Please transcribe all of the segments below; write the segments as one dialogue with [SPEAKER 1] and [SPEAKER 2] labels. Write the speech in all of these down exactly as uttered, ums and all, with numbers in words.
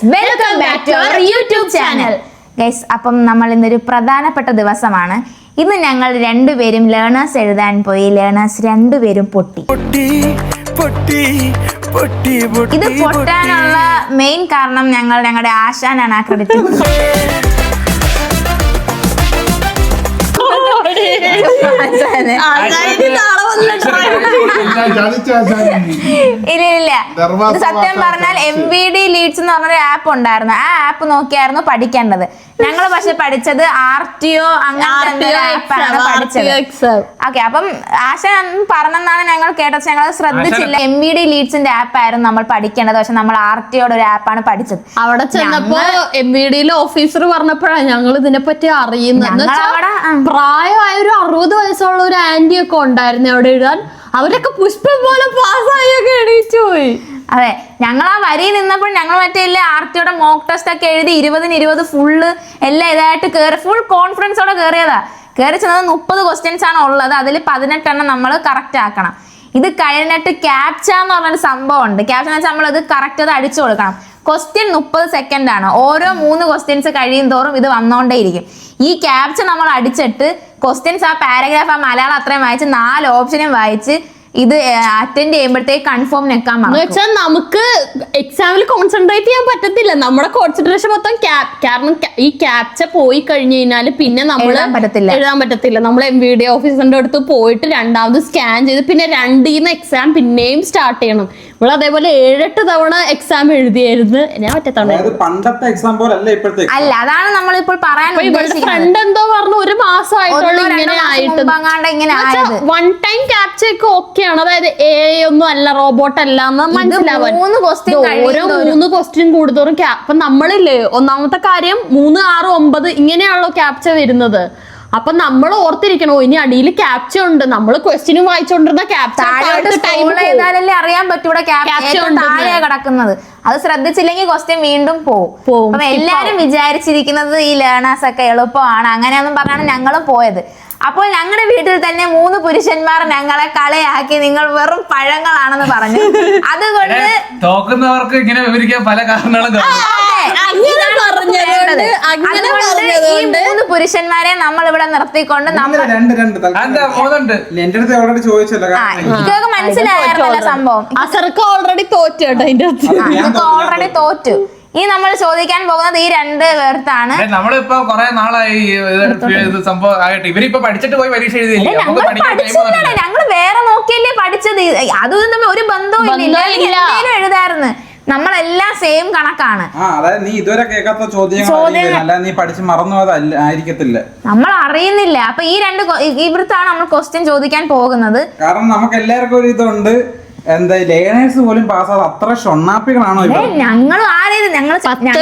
[SPEAKER 1] Welcome back to our YouTube channel. Guys, അപ്പം നമ്മൾ ഇന്നൊരു പ്രധാനപ്പെട്ട ദിവസമാണ്. ഇന്ന് ഞങ്ങൾ രണ്ടുപേരും ലേണേഴ്സ് എഴുതാൻ പോയി. ലേണേഴ്സ് രണ്ടുപേരും പൊട്ടി. ഇത് പൊട്ടാനുള്ള മെയിൻ കാരണം ഞങ്ങൾ ഞങ്ങളുടെ ആശാനാണ് ആ ക്രെഡിറ്റ്. ഇല്ല ഇല്ല സത്യം പറഞ്ഞാൽ എം വി ഡി ലീഡ്സ് എന്ന് പറഞ്ഞൊരു ആപ്പ് ഉണ്ടായിരുന്നു. ആ ആപ്പ് നോക്കിയായിരുന്നു പഠിക്കേണ്ടത്. ഞങ്ങൾ പക്ഷെ പഠിച്ചത് ആർ ടി ഒ അങ്ങനത്തെ ആപ്പാണ് പഠിച്ചത്. ഓക്കെ, അപ്പം ആശ പറഞ്ഞെന്നാണ് ഞങ്ങൾ കേട്ടത്. ഞങ്ങൾ ശ്രദ്ധിച്ചില്ല. എം വി ഡി ലീഡ്സിന്റെ ആപ്പ് ആയിരുന്നു നമ്മൾ പഠിക്കേണ്ടത്. പക്ഷെ നമ്മൾ ആർ ടി ഒയുടെ ഒരു ആപ്പാണ് പഠിച്ചത്.
[SPEAKER 2] അവിടെ ചെന്നപ്പോ എം വി ഡിയിലെ ഓഫീസർ പറഞ്ഞപ്പോഴാണ് ഞങ്ങൾ ഇതിനെ പറ്റി അറിയുന്നത്. പ്രായമായ ഒരു അറുപത് വയസ്സുള്ള ഒരു ആന്റി ഒക്കെ ഉണ്ടായിരുന്നു അവിടെ എഴുതാൻ. അവരൊക്കെ പുഷ്പം പോലെ പാസ്സായൊക്കെ എണീച്ചു പോയി.
[SPEAKER 1] അതെ, ഞങ്ങൾ ആ വരി നിന്നപ്പോൾ ഞങ്ങൾ മറ്റേ ആർ ടിയുടെ മോക്ക് ടെസ്റ്റ് ഒക്കെ എഴുതി ഇരുപതിന് ഇരുപത് ഫുള്ള് എല്ലാം ഇതായിട്ട് കയറി ഫുൾ കോൺഫിഡൻസോടെ കയറിയതാ. കയറി ചെന്നത് മുപ്പത് ക്വസ്റ്റ്യൻസ് ആണ് ഉള്ളത്. അതിൽ പതിനെട്ടെണ്ണം നമ്മൾ കറക്റ്റ് ആക്കണം. ഇത് കഴിഞ്ഞിട്ട് ക്യാപ്ച എന്ന് പറഞ്ഞൊരു സംഭവം ഉണ്ട്. ക്യാപ്ച എന്ന് വെച്ചാൽ നമ്മൾ ഇത് കറക്റ്റ് അത് അടിച്ചു കൊടുക്കണം. ക്വസ്റ്റ്യൻ മുപ്പത് സെക്കൻഡ് ആണ്. ഓരോ മൂന്ന് ക്വസ്റ്റ്യൻസ് കഴിയും തോറും ഇത് വന്നോണ്ടേയിരിക്കും. ഈ ക്യാപ്ച നമ്മൾ അടിച്ചിട്ട് ക്വസ്റ്റ്യൻസ് ആ പാരഗ്രാഫ് ആ മലയാളം അത്രയും വായിച്ച് നാല് ഓപ്ഷനും വായിച്ച് ഇത് അറ്റൻഡ് ചെയ്യുമ്പോഴത്തേക്ക് കൺഫേം നെക്കാൻ
[SPEAKER 2] വെച്ചാൽ നമുക്ക് എക്സാമിൽ കോൺസെൻട്രേറ്റ് ചെയ്യാൻ പറ്റത്തില്ല. നമ്മുടെ കോൺസെൻട്രേഷൻ മൊത്തം കാരണം ഈ ക്യാപ്ച പോയി കഴിഞ്ഞു കഴിഞ്ഞാൽ പിന്നെ നമ്മൾ
[SPEAKER 1] പറ്റത്തില്ല
[SPEAKER 2] എഴുതാൻ പറ്റത്തില്ല. നമ്മൾ എം വി ഡി ഓഫീസറിന്റെ അടുത്ത് പോയിട്ട് രണ്ടാമത് സ്കാൻ ചെയ്ത് പിന്നെ രണ്ടീന്ന് എക്സാം പിന്നെയും സ്റ്റാർട്ട് ചെയ്യണം. നമ്മൾ അതേപോലെ ഏഴെട്ട് തവണ എക്സാം എഴുതിയായിരുന്നു. ഞാൻ പറ്റത്തവണ
[SPEAKER 3] പണ്ടത്തെ എക്സാം പോലെ അല്ല ഇപ്പോഴത്തെ.
[SPEAKER 1] അല്ല, അതാണ് നമ്മളിപ്പോൾ പറയാൻ
[SPEAKER 2] ഫ്രണ്ട് എന്തോ പറഞ്ഞു ഒരു മാസമായിട്ടുള്ള ഇങ്ങനെ ആയിട്ട് വൺ ടൈം ക്യാപ്ച ഒക്കെ ഓക്കെ. അതായത് എ ഒന്നും അല്ല, റോബോട്ട് അല്ല എന്ന് മനസ്സിലാവാൻ ഓരോ മൂന്ന് ക്വസ്റ്റ്യൻ കൂടുതലും. അപ്പൊ നമ്മളില്ലേ ഒന്നാമത്തെ കാര്യം മൂന്ന് ആറ് ഒമ്പത് ഇങ്ങനെയാണല്ലോ ക്യാപ്ച വരുന്നത്. അപ്പൊ നമ്മൾ ഓർത്തിരിക്കണോ ഇനി അടിയിൽ ക്യാപ്ച ഉണ്ട്. നമ്മൾ ക്വസ്റ്റ്യനും വായിച്ചോണ്ടിരുന്ന ക്യാപ്ച
[SPEAKER 1] അറിയാൻ പറ്റൂടെ താഴെ കിടക്കുന്നത്. അത് ശ്രദ്ധിച്ചില്ലെങ്കിൽ ക്വസ്റ്റ്യൻ വീണ്ടും പോകും. അപ്പൊ എല്ലാരും വിചാരിച്ചിരിക്കുന്നത് ഈ ലേണേഴ്സ് ഒക്കെ എളുപ്പമാണ് അങ്ങനെയൊന്നും പറഞ്ഞാണ് ഞങ്ങളും പോയത്. അപ്പോൾ ഞങ്ങളുടെ വീട്ടിൽ തന്നെ മൂന്ന് പുരുഷന്മാർ ഞങ്ങളെ കളയാക്കി നിങ്ങൾ വെറും പഴങ്ങളാണെന്ന് പറഞ്ഞു. അതുകൊണ്ട്
[SPEAKER 4] തോക്കുന്നവർക്ക് ഇങ്ങനെ വിവരിക്കാൻ പല കാരണങ്ങളും.
[SPEAKER 1] ഈ മൂന്ന് പുരുഷന്മാരെ നമ്മൾ ഇവിടെ നിർത്തിക്കൊണ്ട് നമ്മൾ ഇതൊക്കെ മനസ്സിലായിരുന്നല്ലോ സംഭവം.
[SPEAKER 2] അസർക്ക് ഓൾറെഡി തോറ്റു കേട്ടോ.
[SPEAKER 1] ഇതൊക്കെ ഓൾറെഡി തോറ്റു. ഇനി നമ്മൾ ചോദിക്കാൻ പോകുന്നത് ഈ രണ്ട് പേർത്താണ്.
[SPEAKER 4] നമ്മളിപ്പോ കൊറേ നാളായി സംഭവം ആയിട്ട് ഇവരിപ്പോ പഠിച്ചിട്ട് പോയി പരീക്ഷ എഴുതിയില്ലേ?
[SPEAKER 1] ഞങ്ങൾ വേറെ നോക്കിയല്ലേ പഠിച്ചത്. അതും തമ്മിൽ ഒരു ബന്ധവും ഇല്ല. എന്തെങ്കിലും എഴുതായിരുന്നു. നമ്മളെല്ലാം സെയിം കണക്കാണ്.
[SPEAKER 3] നീ ഇതുവരെ കേൾക്കാത്ത ചോദ്യം നീ പഠിച്ച് മറന്നു ആയിരിക്കത്തില്ല.
[SPEAKER 1] നമ്മൾ അറിയുന്നില്ല. അപ്പൊ ഈ രണ്ട് ഇവിടുത്താണ് നമ്മൾ ക്വസ്റ്റ്യൻ ചോദിക്കാൻ പോകുന്നത്.
[SPEAKER 3] കാരണം നമുക്ക് എല്ലാവർക്കും ഒരു ഇതുണ്ട്. എന്താ ലേണേഴ്സ് പോലും പാസ്സാതെ അത്ര ഷൊണ്ണാപ്പികളാണോ?
[SPEAKER 1] ഞങ്ങൾ ആരേത് ഞങ്ങൾ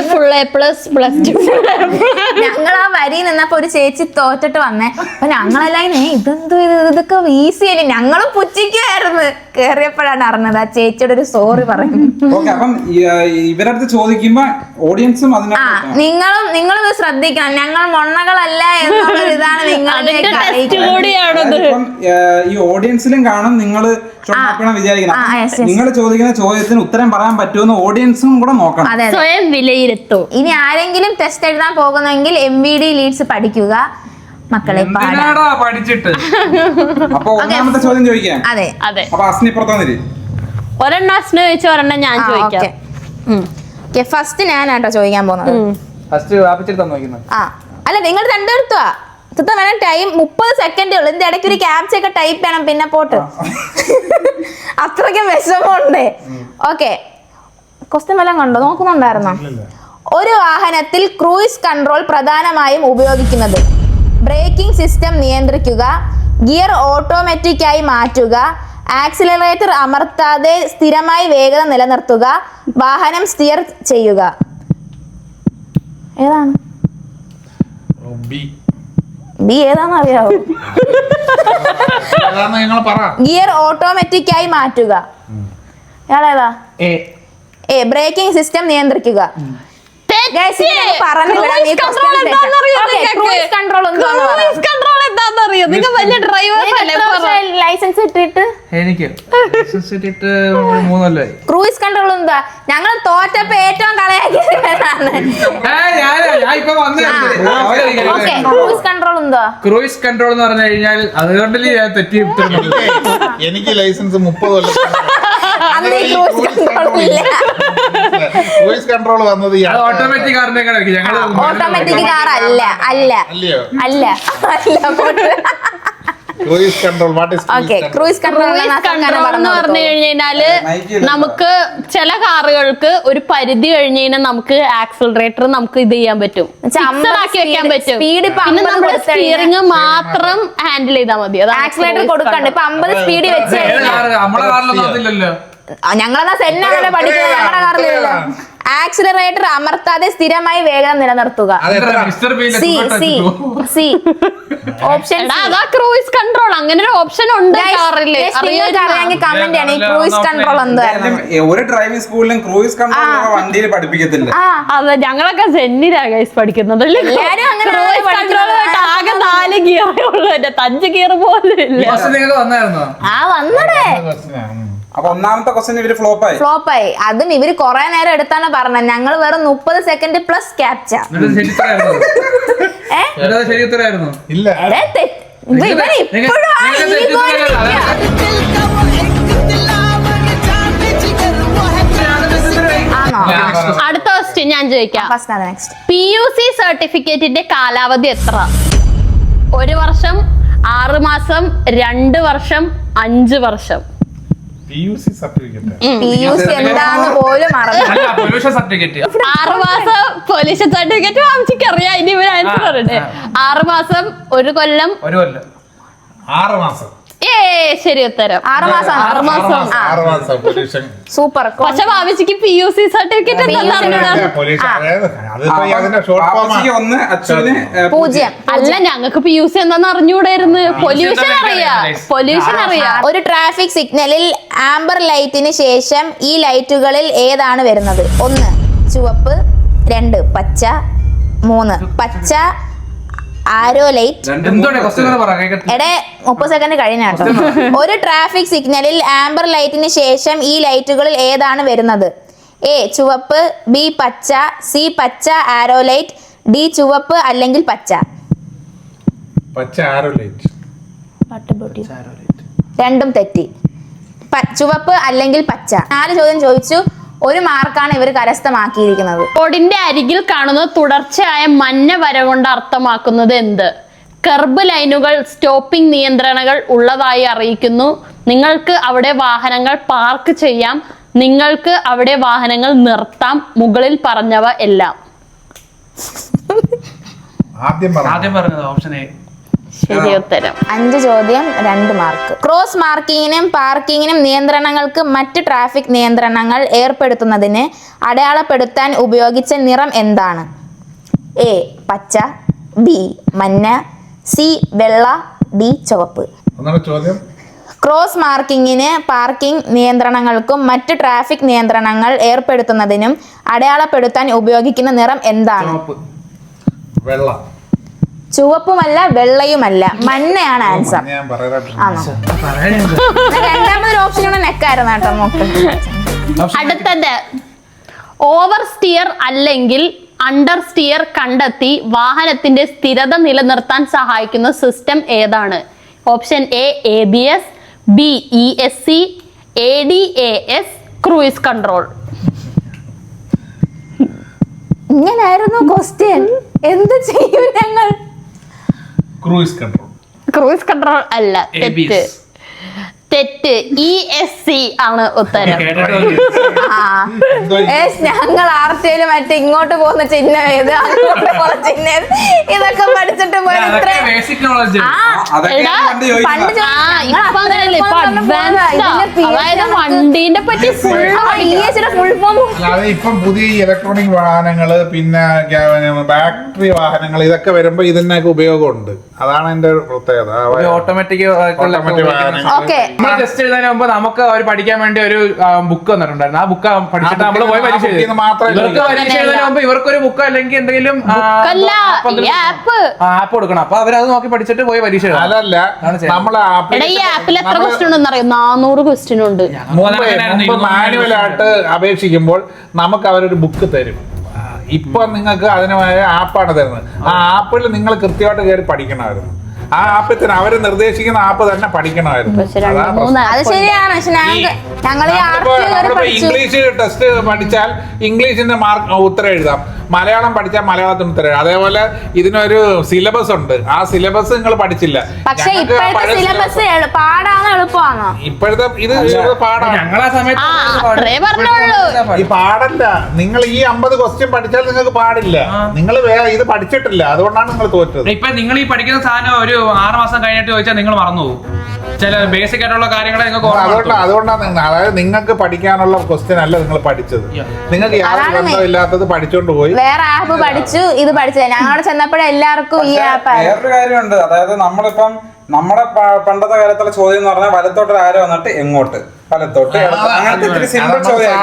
[SPEAKER 1] ഞങ്ങൾ ആ വരി നിന്നപ്പോ ഒരു ചേച്ചി തോറ്റിട്ട് വന്നേ. അപ്പൊ ഞങ്ങളെല്ലാം ഇതെന്തോ ഇതൊക്കെ ഈസി അല്ലേ. ഞങ്ങളും പുച്ഛിക്കുമായിരുന്നു. കേറിയപ്പോഴാണ് അറിഞ്ഞത്. ആ ചേച്ചിയുടെ ഒരു സോറി പറയുന്നു.
[SPEAKER 3] അപ്പം ഇവരടുത്ത് ചോദിക്കുമ്പോ ഓഡിയൻസും
[SPEAKER 1] നിങ്ങളും നിങ്ങളും ഇത് ശ്രദ്ധിക്കണം. ഞങ്ങൾ മൊണ്ണകളല്ല എന്നുള്ള ഇതാണ് നിങ്ങളുടെ
[SPEAKER 3] ഈ ഓഡിയൻസിലും കാണും. നിങ്ങള് വിചാരിക്കണം നിങ്ങൾ ചോദിക്കുന്ന ചോദ്യത്തിന് ഉത്തരം പറയാൻ പറ്റുമെന്ന് ഓഡിയൻസും കൂടെ നോക്കണം.
[SPEAKER 2] സ്വയം വിലയിരുത്തൂ.
[SPEAKER 1] ഇനി ആരെങ്കിലും ടെസ്റ്റ് എഴുതാൻ പോകുന്നെങ്കിൽ എം വി ഡി ലീഡ്സ് പഠിക്കുക മക്കളെ.
[SPEAKER 4] പഠിച്ചിട്ട്
[SPEAKER 3] അപ്പൊ ഒന്നാമത്തെ ചോദ്യം ചോദിക്കാം.
[SPEAKER 1] അതെ
[SPEAKER 2] അതെ.
[SPEAKER 3] അപ്പൊ അസ്നി പുറത്തുവന്നിട്ട്
[SPEAKER 2] ഒരെണ്ണം അസ്ന ചോദിച്ച ഒരെണ്ണം ഞാൻ ചോദിക്കാം.
[SPEAKER 1] ഫസ്റ്റ് ഞാനാട്ടോ ചോദിക്കാൻ പോകുന്നത്. ആ അല്ല, നിങ്ങൾ രണ്ടുപേർത്തുവാ സത്യം വേണം. ടൈം മുപ്പത് സെക്കൻഡേ ഉള്ളു. ഇതിന്റെ ഇടയ്ക്ക് ഒരു ക്യാപ്ച ഒക്കെ ടൈപ്പ് ചെയ്യണം. പിന്നെ പോട്ട് അത്രയ്ക്കും വിഷമമുണ്ട്. ഓക്കെ, ക്വസ്റ്റ്യൻ വല്ലതും കണ്ടോ? നോക്കുന്നുണ്ടായിരുന്നോ? ഒരു വാഹനത്തിൽ ക്രൂയിസ് കൺട്രോൾ പ്രധാനമായും ഉപയോഗിക്കുന്നത് ബ്രേക്കിംഗ് സിസ്റ്റം നിയന്ത്രിക്കുക, ഗിയർ ഓട്ടോമാറ്റിക് ആയി മാറ്റുക, ആക്സിലറേറ്റർ അമർത്താതെ സ്ഥിരമായി വേഗത നിലനിർത്തുക, വാഹനം സ്റ്റിയർ ചെയ്യുക. ഏതാണ് ബി? ഏതാന്ന് അറിയാവോ? ഗിയർ ഓട്ടോമാറ്റിക് ആയി മാറ്റുക. ഇയാളേതാ? എ ബ്രേക്കിംഗ് സിസ്റ്റം നിയന്ത്രിക്കുക. Guys, ഇത് ഞാൻ പറഞ്ഞു വിടാം. ഈ
[SPEAKER 2] control
[SPEAKER 1] question
[SPEAKER 2] എന്താണെന്നറിയോ
[SPEAKER 1] Okay,
[SPEAKER 2] നിങ്ങൾക്ക്?
[SPEAKER 1] cruise control എന്താണെന്ന് പറ.
[SPEAKER 2] Cruise control എന്താണെന്നറിയോ? നിങ്ങൾ വലിയ ഡ്രൈവേഴ്സ് അല്ലേ?
[SPEAKER 1] ലൈസൻസ് ഇട്ടിട്ട്
[SPEAKER 4] എനിക്ക് ഇട്ടിട്ട് മൂന്നല്ലായി.
[SPEAKER 1] ക്രൂയിസ് കൺട്രോൾ എന്താ? ഞങ്ങൾ തോറ്റപ്പോ ഏറ്റവും കളയാക്കിയതാണ്. ഓക്കെ, ക്രൂയിസ് കൺട്രോൾ എന്താ?
[SPEAKER 4] ക്രൂയിസ് കൺട്രോൾ എന്ന് പറഞ്ഞു കഴിഞ്ഞാൽ അതുകൊണ്ടല്ലേ ഞാൻ തെറ്റി ഉത്തരം പറഞ്ഞത്.
[SPEAKER 5] എനിക്ക് ലൈസൻസ് മുപ്പത് കൊല്ലം
[SPEAKER 1] അന്ന് ഈ ക്രൂയിസ് കൺട്രോൾ ഇല്ല.
[SPEAKER 5] ക്രൂയിസ് കൺട്രോൾ വന്നത് ഈ
[SPEAKER 4] അത് ഓട്ടോമാറ്റിക് കാറിനെ ഞങ്ങള്
[SPEAKER 1] ഓട്ടോമാറ്റിക് കാർ അല്ല അല്ല
[SPEAKER 5] അല്ലയോ
[SPEAKER 1] അല്ല അല്ല
[SPEAKER 5] cruise control what is
[SPEAKER 1] okay, cruise control
[SPEAKER 2] control എന്ന് പറഞ്ഞു കഴിഞ്ഞാല് നമുക്ക് ചില കാറുകൾക്ക് ഒരു പരിധി കഴിഞ്ഞ് കഴിഞ്ഞാൽ നമുക്ക് ആക്സിലറേറ്റർ നമുക്ക് ഇത് ചെയ്യാൻ പറ്റും, ഫിക്സഡ് ആക്കി വെക്കാൻ പറ്റും.
[SPEAKER 1] സ്പീഡ് ഇപ്പൊ
[SPEAKER 2] പിന്നെ
[SPEAKER 1] അമ്പത്
[SPEAKER 2] നമ്മുടെ
[SPEAKER 1] കൊടുത്തു
[SPEAKER 2] സ്റ്റിയറിംഗ് മാത്രം ഹാൻഡിൽ ചെയ്താൽ മതി.
[SPEAKER 1] ആക്സിലേറ്റർ കൊടുക്കണ്ട. ഇപ്പൊ അമ്പത് സ്പീഡ് വെച്ച്
[SPEAKER 4] നമ്മളെ കാറിലൊന്നും അതില്ലല്ലോ.
[SPEAKER 1] ഞങ്ങളെന്നാ സെന്നാണല്ലോ പഠിക്കുന്നത്, ഞങ്ങളുടെ കാറിലല്ലോ. ആക്സിലറേറ്റർ അമർത്താതെ സ്ഥിരമായി വേഗം നിലനിർത്തുക.
[SPEAKER 4] Mister bean
[SPEAKER 1] C C C option
[SPEAKER 2] അതാ ക്രൂയിസ് കൺട്രോൾ. അങ്ങനെ ഒരു ഓപ്ഷൻ ഉണ്ട് കാറില്.
[SPEAKER 1] അറിയാമെങ്കിൽ കമന്റ് ആണ് ഈ ക്രൂയിസ് കൺട്രോൾ എന്തായിരുന്നു.
[SPEAKER 3] ഒരു ഡ്രൈവിംഗ് സ്കൂളിലും ക്രൂയിസ് കൺട്രോൾ വണ്ടിയിൽ പഠിപ്പിക്കത്തില്ല.
[SPEAKER 2] അതെ, ഞങ്ങളൊക്കെ സെന്നിലാ ഗൈസ് പഠിക്കുന്നത്.
[SPEAKER 1] എല്ലാരും അങ്ങനെ
[SPEAKER 2] കൺട്രോൾ ആകെ നാല് ഗിയറേ ഉള്ളൂ, എന്റെ അഞ്ച് ഗിയർ പോലും ഇല്ല.
[SPEAKER 4] നിങ്ങൾക്ക് വന്നായിരുന്നോ?
[SPEAKER 1] ആ വന്നടേ.
[SPEAKER 3] അപ്പൊ ഒന്നാമത്തെ ക്വസ്റ്റ്യൻ ഇവര് ഫ്ലോപ്പായി
[SPEAKER 1] ഫ്ലോപ്പായി. അതും ഇവര് കൊറേ നേരം എടുത്താണ് പറഞ്ഞത്. ഞങ്ങൾ വെറും മുപ്പത് സെക്കൻഡ് പ്ലസ് ക്യാപ്ച.
[SPEAKER 4] ശരി ഉത്തരമായിരുന്നു.
[SPEAKER 5] ഇല്ല
[SPEAKER 2] അടുത്ത ക്വസ്റ്റ്യൻ ഞാൻ ചോദിക്കാം.
[SPEAKER 1] നെക്സ്റ്റ്,
[SPEAKER 2] പി യു സി സർട്ടിഫിക്കറ്റിന്റെ കാലാവധി എത്ര? ഒരു വർഷം, ആറ് മാസം, രണ്ട് വർഷം, അഞ്ച് വർഷം?
[SPEAKER 5] P U C certificate
[SPEAKER 1] P U C എന്താന്ന് പോലും അറിയില്ല.
[SPEAKER 4] Pollution certificate.
[SPEAKER 2] ആറ് മാസം പൊല്യൂഷൻ സർട്ടിഫിക്കറ്റ് വാങ്ങിച്ചിക്ക് അറിയാം. ഇനി ഇവർ ആൻസർ പറയട്ടെ. ആറ് മാസം, ഒരു കൊല്ലം,
[SPEAKER 4] ഒരു കൊല്ലം,
[SPEAKER 5] ആറ് മാസം.
[SPEAKER 2] ഏ ശരി ഉത്തരം.
[SPEAKER 1] ആറ് മാസം
[SPEAKER 2] ആറ് മാസം.
[SPEAKER 5] ആറ് മാസം പൊല്യൂഷൻ
[SPEAKER 1] സൂപ്പർ.
[SPEAKER 2] പക്ഷെ വാമിച്ചിക്ക് പി യു സി സർട്ടിഫിക്കറ്റ് എന്താ അറിഞ്ഞൂടാ.
[SPEAKER 5] പൊല്യൂഷൻ അതിപ്പോ അതിന്റെ ഷോർട്ട് ഫോം
[SPEAKER 3] ഒന്ന് അച്ഛന്
[SPEAKER 1] പൂജ്യം.
[SPEAKER 2] അല്ല, ഞങ്ങൾക്ക് പി യു സി എന്താന്ന് അറിഞ്ഞൂടായിരുന്നു. പൊല്യൂഷൻ അറിയാം, പൊല്യൂഷൻ അറിയാം.
[SPEAKER 1] ഒരു ട്രാഫിക് സിഗ്നലിൽ ആംബർ ലൈറ്റിന് ശേഷം ഈ ലൈറ്റുകളിൽ ഏതാണ് വരുന്നത്? ഒന്ന് ചുവപ്പ്, രണ്ട് പച്ച, മൂന്ന് പച്ച ആരോ ലൈറ്റ്. എടെ മുപ്പത് സെക്കൻഡ് കഴിഞ്ഞാട്ടോ. ഒരു ട്രാഫിക് സിഗ്നലിൽ ആംബർ ലൈറ്റിന് ശേഷം ഈ ലൈറ്റുകളിൽ ഏതാണ് വരുന്നത്? എ ചുവപ്പ്, ബി പച്ച, സി പച്ച ആരോ ലൈറ്റ്, ഡി ചുവപ്പ് അല്ലെങ്കിൽ പച്ച.
[SPEAKER 5] പച്ച ആരോ ലൈറ്റ്.
[SPEAKER 1] രണ്ടും തെറ്റി. ചുവപ്പ് അല്ലെങ്കിൽ പച്ച. നാല് ചോദ്യം ചോദിച്ചു. ഒരു മാർക്കാണ് ഇവർ കരസ്ഥമാക്കിയിരിക്കുന്നത്.
[SPEAKER 2] റോഡിന്റെ അരികിൽ കാണുന്ന തുടർച്ചയായ മഞ്ഞ വര കൊണ്ട് അർത്ഥമാക്കുന്നത് എന്ത്? കർബ് ലൈനുകൾ, സ്റ്റോപ്പിംഗ് നിയന്ത്രണങ്ങൾ ഉള്ളതായി അറിയിക്കുന്നു. നിങ്ങൾക്ക് അവിടെ വാഹനങ്ങൾ പാർക്ക് ചെയ്യാം. നിങ്ങൾക്ക് അവിടെ വാഹനങ്ങൾ നിർത്താം. മുകളിൽ പറഞ്ഞവ എല്ലാം.
[SPEAKER 5] ആദ്യം
[SPEAKER 4] ആദ്യം പറഞ്ഞത് ഓപ്ഷൻ എ.
[SPEAKER 2] ശരി ഉത്തരം.
[SPEAKER 1] അഞ്ച് ചോദ്യം, രണ്ട് മാർക്ക്. ക്രോസ് മാർക്കിങ്ങിനും പാർക്കിങ്ങിനും നിയന്ത്രണങ്ങൾക്ക് മറ്റ് ട്രാഫിക് നിയന്ത്രണങ്ങൾ ഏർപ്പെടുത്തുന്നതിന് അടയാളപ്പെടുത്താൻ ഉപയോഗിച്ച നിറം എന്താണ്? എ പച്ച, ബി മഞ്ഞ, സി വെള്ള, ഡി ചുവപ്പ്.
[SPEAKER 5] ചോദ്യം.
[SPEAKER 1] ക്രോസ് മാർക്കിങ്ങിന് പാർക്കിംഗ് നിയന്ത്രണങ്ങൾക്കും മറ്റ് ട്രാഫിക് നിയന്ത്രണങ്ങൾ ഏർപ്പെടുത്തുന്നതിനും അടയാളപ്പെടുത്താൻ ഉപയോഗിക്കുന്ന നിറം എന്താണ്?
[SPEAKER 5] വെള്ള.
[SPEAKER 1] ചുവപ്പുമല്ല വെള്ളയുമല്ല, മഞ്ഞയാണ് ആൻസർ. ആണോ? രണ്ടാമതൊരു ഓപ്ഷൻ കൂടെ നെക്കായിരുന്നു കേട്ടോ നോക്ക്.
[SPEAKER 2] അടുത്തത് ഓവർ സ്റ്റിയർ അല്ലെങ്കിൽ അണ്ടർ സ്റ്റിയർ കണ്ടെത്തി വാഹനത്തിന്റെ സ്ഥിരത നിലനിർത്താൻ സഹായിക്കുന്ന സിസ്റ്റം ഏതാണ്? Option A A B S, B E S C, A D A S, cruise control.
[SPEAKER 1] ഇങ്ങനായിരുന്നു ക്വസ്റ്റ്യൻ. എന്ത് ചെയ്യും ഞങ്ങൾ?
[SPEAKER 5] Cruise control.
[SPEAKER 2] ക്രൂയിസ് കൺട്രോൾ അല്ല, തെറ്റ് തെറ്റ് ഇ എസ് സി ആണ് ഉത്തരം.
[SPEAKER 1] ഞങ്ങൾ ആർട്ടിയില് മറ്റേ ഇങ്ങോട്ട് പോകുന്ന ചിഹ്നം ഏത്, അങ്ങോട്ട് പോകുന്ന ചിഹ്നം ഏത്, ഇതൊക്കെ പഠിച്ചിട്ട് പോയി
[SPEAKER 2] അതായത് വണ്ടീന്റെ പറ്റി ഫുൾ
[SPEAKER 1] ഫുൾ ഫോം.
[SPEAKER 5] അല്ലാതെ ഇപ്പം പുതിയ ഇലക്ട്രോണിക് വാഹനങ്ങള് പിന്നെ ബാറ്ററി വാഹനങ്ങൾ ഇതൊക്കെ വരുമ്പോ ഇതിനൊക്കെ ഉപയോഗമുണ്ട്. അതാണ് എന്റെ പ്രത്യേകത.
[SPEAKER 4] ഓട്ടോമാറ്റിക്
[SPEAKER 5] ഓട്ടോമാറ്റിക് വാഹനങ്ങൾ.
[SPEAKER 1] ഓക്കെ,
[SPEAKER 4] ടെസ്റ്റ് എഴുതാൻ മുമ്പ് നമുക്ക് അവർ പഠിക്കാൻ വേണ്ടി ഒരു ബുക്ക് വന്നിട്ടുണ്ടായിരുന്നു. ആ ബുക്ക് ബുക്ക് പഠിച്ചിട്ട് നമ്മള് പോയി പരീക്ഷ എഴുതി. ഇവർക്ക് പരീക്ഷ എഴുതുന്നതിന് മുമ്പ് ഇവർക്കൊരു ബുക്ക് അല്ലെങ്കിൽ എന്തെങ്കിലും ആപ്പ് കൊടുക്കണം. അപ്പൊ അവരത് നോക്കി പഠിച്ചിട്ട് പോയി പരീക്ഷ എഴുതാം.
[SPEAKER 5] അതല്ല നമ്മളെ
[SPEAKER 2] ഈ ആപ്പിൽ എത്ര ക്വസ്റ്റ്യൻ ഉണ്ടെന്ന് അറിയോ? നാനൂറ് ക്വസ്റ്റ്യൻ ഉണ്ട്.
[SPEAKER 5] മാനുവൽ ആയിട്ട് അപേക്ഷിക്കുമ്പോൾ നമുക്ക് അവരൊരു ബുക്ക് തരും. ഇപ്പൊ നിങ്ങൾക്ക് അതിനുമായ ആപ്പാണ് തരുന്നത്. ആ ആപ്പിൽ നിങ്ങൾ കൃത്യമായിട്ട് കയറി പഠിക്കണമായിരുന്നു. ആ ആപ്പിൽ തന്നെ അവര് നിർദ്ദേശിക്കുന്ന ആപ്പ് തന്നെ പഠിക്കണമായിരുന്നു.
[SPEAKER 1] അത് ശരിയാണ്. പക്ഷെ ഞങ്ങൾ
[SPEAKER 5] ഇംഗ്ലീഷ് ടെസ്റ്റ് പഠിച്ചാൽ ഇംഗ്ലീഷിന്റെ മാർക്ക് ഉത്തരം എഴുതാം, മലയാളം പഠിച്ചാൽ മലയാളത്തിന് ഉത്തരം എഴുതാം. അതേപോലെ ഇതിനൊരു സിലബസ് ഉണ്ട്. ആ സിലബസ് നിങ്ങൾ പഠിച്ചില്ല.
[SPEAKER 1] പക്ഷെ ഇപ്പോഴത്തെ സിലബസ് പാടാണ് എളുപ്പമാണോ?
[SPEAKER 5] ഇപ്പോഴത്തെ ഇത് പാടാണ്.
[SPEAKER 4] ഞങ്ങളാ സമയത്ത്
[SPEAKER 5] ഈ പാടല്ല. നിങ്ങൾ ഈ അമ്പത് ക്വസ്റ്റ്യൻ പഠിച്ചാൽ നിങ്ങൾക്ക് പാടില്ല. നിങ്ങൾ ഇത് പഠിച്ചിട്ടില്ല, അതുകൊണ്ടാണ് നിങ്ങൾ തോറ്റത്.
[SPEAKER 4] ഇപ്പൊ നിങ്ങൾ ഈ പഠിക്കുന്ന സാധനം ഒരു ആറ് മാസം കഴിഞ്ഞിട്ട് ചോദിച്ചാൽ നിങ്ങൾ മറന്നു പോകും. ചില ബേസിക് ആയിട്ടുള്ള കാര്യങ്ങളെ നിങ്ങൾക്ക്
[SPEAKER 5] അതുകൊണ്ടാണ് അതുകൊണ്ടാണ് അതായത് നിങ്ങൾക്ക് പഠിക്കാനുള്ള ക്വസ്റ്റ്യൻ അല്ല നിങ്ങൾ പഠിച്ചത്. നിങ്ങൾക്ക് യാതൊരു ബന്ധമില്ലാത്തത് പഠിച്ചോണ്ട് പോയി
[SPEAKER 1] വേറെ ആപ്പ് പഠിച്ചു, ഇത് പഠിച്ചത്. ഞങ്ങളവിടെ ചെന്നപ്പോഴേ എല്ലാവർക്കും ഈ ആപ്പ്.
[SPEAKER 3] വേറൊരു കാര്യമുണ്ട്. അതായത് നമ്മളിപ്പം നമ്മുടെ പണ്ടത്തെ കാലത്തുള്ള ചോദ്യം എന്ന് പറഞ്ഞാൽ വലത്തോട്ട് ആരോ വന്നിട്ട് എങ്ങോട്ട്, വലത്തോട്ട് അങ്ങനത്തെ ഇത്തിരി സിമ്പിൾ ചോദ്യം.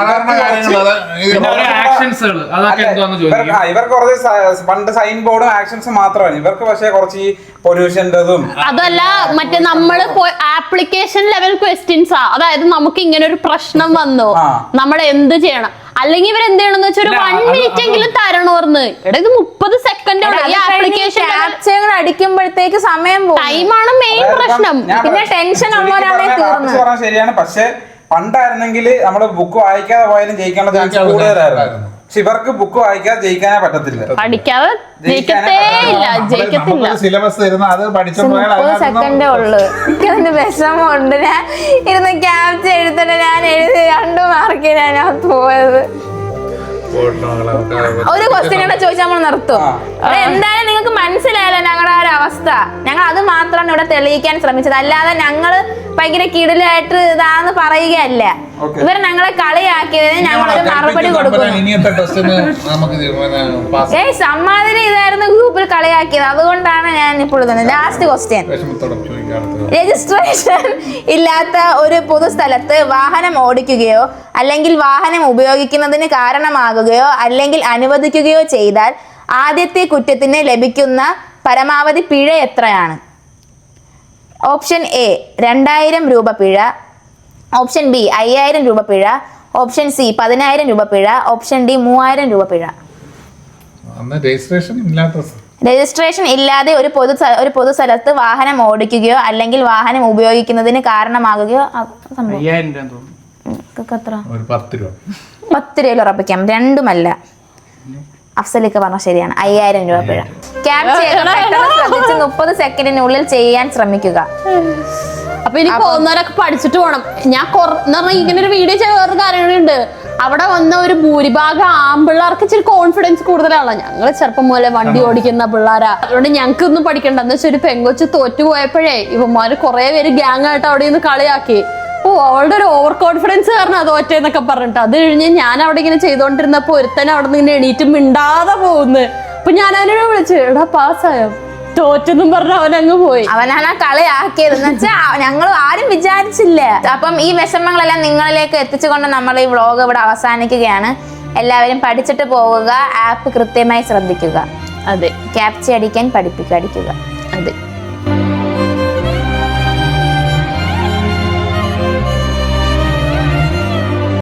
[SPEAKER 3] ഇവർക്ക് കുറച്ച് പണ്ട് സൈൻ ബോർഡും ആക്ഷൻസും മാത്രമാണ് ഇവർക്ക്. പക്ഷേ കുറച്ച് ഈ പൊല്യൂഷൻ്റെതും
[SPEAKER 2] അതല്ല, മറ്റേ നമ്മള് ആപ്ലിക്കേഷൻ ലെവൽ ക്വസ്റ്റ്യൻസാ. അതായത് നമുക്ക് ഇങ്ങനെ ഒരു പ്രശ്നം വന്നു, നമ്മൾ എന്ത് ചെയ്യണം, അല്ലെങ്കിൽ ഇവർ എന്ത് ചെയ്യണമെന്ന് വെച്ചാൽ ഒരു വൺ മിനിറ്റ് എങ്കിലും തരണോർന്ന്. എടാ ഇത് മുപ്പത് സെക്കൻഡ് ഈ ആപ്ലിക്കേഷൻ
[SPEAKER 1] അടിക്കുമ്പോഴത്തേക്ക് സമയം പോകും.
[SPEAKER 2] ടൈമാണ് മെയിൻ പ്രശ്നം.
[SPEAKER 1] പിന്നെ ടെൻഷൻ ഉള്ളവരാണെങ്കിൽ
[SPEAKER 3] ശരിയാണ്. പക്ഷെ പണ്ടായിരുന്നെങ്കിൽ നമ്മള് ബുക്ക് വായിക്കാതെ പോയാലും ജയിക്കാനുള്ള ചാൻസ് കൂടുതലായിരുന്നു. പക്ഷെ ഇവർക്ക് ബുക്ക് വായിക്കാതെ ജയിക്കാനേ പറ്റത്തില്ല.
[SPEAKER 2] പഠിക്കാതെ ജയിക്കത്തേ ഇല്ല, ജയിക്കത്തില്ല.
[SPEAKER 5] സിലബസ് തരുന്ന അത്
[SPEAKER 1] മുപ്പത് സെക്കൻഡേ ഉള്ളു. എനിക്കതിന്റെ വിഷമമുണ്ട്. ഞാൻ ഇരുന്ന് ക്യാപ്ചർ എഴുതണ ഞാൻ എഴുതി രണ്ടു മാർക്കിനാ ഞാൻ പോയത്. ഒരു ക്വസ്റ്റ്യൻ കൂടെ ചോദിച്ചാൽ നമ്മൾ നിർത്തും. എന്തായാലും നിങ്ങൾക്ക് മനസ്സിലായല്ലോ ഞങ്ങളുടെ ആ ഒരു അവസ്ഥ. ഞങ്ങൾ അത് മാത്രമാണ് ഇവിടെ തെളിയിക്കാൻ ശ്രമിച്ചത്. അല്ലാതെ ഞങ്ങള് ഭയങ്കര കിടിലായിട്ട് ഇതാന്ന് പറയുകയല്ല. ഇവർ ഞങ്ങളെ കളിയാക്കിയതിന് ഞങ്ങളൊരു മറുപടി കൊടുക്കുന്നു. ഏയ് സമ്മാതിരി ഇതായിരുന്നു ഗ്രൂപ്പിൽ കളിയാക്കിയത്. അതുകൊണ്ടാണ് ഞാൻ ഇപ്പോൾ ഇതുന്നത്. Last question. രജിസ്ട്രേഷൻ ഇല്ലാത്ത ഒരു പൊതുസ്ഥലത്ത് വാഹനം ഓടിക്കുകയോ അല്ലെങ്കിൽ വാഹനം ഉപയോഗിക്കുന്നതിന് കാരണമാകുകയോ അല്ലെങ്കിൽ അനുവദിക്കുകയോ ചെയ്താൽ ആദ്യത്തെ കുറ്റത്തിന് ലഭിക്കുന്ന പരമാവധി പിഴ എത്രയാണ്? ഓപ്ഷൻ എ രണ്ടായിരം രൂപ പിഴ, ഓപ്ഷൻ ബി അയ്യായിരം രൂപ പിഴ, ഓപ്ഷൻ സി പതിനായിരം രൂപ പിഴ, ഓപ്ഷൻ ഡി മൂവായിരം രൂപ പിഴ. രജിസ്ട്രേഷൻ ഇല്ലാതെ ഒരു പൊതു ഒരു പൊതുസ്ഥലത്ത് വാഹനം ഓടിക്കുകയോ അല്ലെങ്കിൽ വാഹനം ഉപയോഗിക്കുന്നതിന് കാരണമാകുകയോ പത്ത് രൂപയിൽ ഉറപ്പിക്കാം. രണ്ടുമല്ല. അഫ്സലിക്ക പറഞ്ഞ ശരിയാണ്. അയ്യായിരം രൂപ പിഴ. ക്യാപ്ചർ മുപ്പത് സെക്കൻഡിനുള്ളിൽ ചെയ്യാൻ ശ്രമിക്കുക.
[SPEAKER 2] അപ്പൊ ഇനി പോകുന്നവരൊക്കെ പഠിച്ചിട്ട് പോകണം. ഞാൻ പറഞ്ഞ ഇങ്ങനെ ഒരു വീഡിയോ ചെയ്ത വേറൊരു കാര്യങ്ങളുണ്ട്. അവിടെ വന്ന ഒരു ഭൂരിഭാഗം ആമ്പിള്ളേർക്ക് ഇച്ചിരി കോൺഫിഡൻസ് കൂടുതലാണ്. ഞങ്ങള് ചെറുപ്പം പോലെ വണ്ടി ഓടിക്കുന്ന പിള്ളേരാ. അതുകൊണ്ട് ഞങ്ങൾക്ക് ഒന്നും പഠിക്കണ്ട. എന്ന് വെച്ചാൽ ഒരു പെങ്കൊച്ച് തോറ്റു പോയപ്പോഴേ ഇവന്മാര് കുറെ പേര് ഗ്യാങ് ആയിട്ട് അവിടെ നിന്ന് കളിയാക്കി. ഓ അവളുടെ ഒരു ഓവർ കോൺഫിഡൻസ് കാരണം തോറ്റേന്നൊക്കെ പറഞ്ഞിട്ട്. അത് കഴിഞ്ഞ് ഞാൻ അവിടെ ഇങ്ങനെ ചെയ്തോണ്ടിരുന്നപ്പോ ഒരുത്തനെ അവിടെ നിന്ന് ഇങ്ങനെ എണീറ്റ് മിണ്ടാതെ പോകുന്നു. അപ്പൊ ഞാൻ അവനോട് വിളിച്ചു, എടാ പാസ്സായോ? തോറ്റെന്നും പറഞ്ഞ അവനങ്ങ് പോയി.
[SPEAKER 1] അവനാണ് കളിയാക്കിയത്. എന്ന് വെച്ചാ ഞങ്ങൾ ആരും വിചാരിച്ചില്ല. അപ്പം ഈ വിഷമങ്ങളെല്ലാം നിങ്ങളിലേക്ക് എത്തിച്ചുകൊണ്ട് നമ്മൾ ഈ വ്ളോഗ് ഇവിടെ അവസാനിക്കുകയാണ്. എല്ലാവരും പഠിച്ചിട്ട് പോവുക. ആപ്പ് കൃത്യമായി ശ്രദ്ധിക്കുക.
[SPEAKER 2] അതെ.
[SPEAKER 1] ക്യാപ്ചർ അടിക്കാൻ പഠിപ്പിക്കുക, അടിക്കുക.
[SPEAKER 2] അതെ.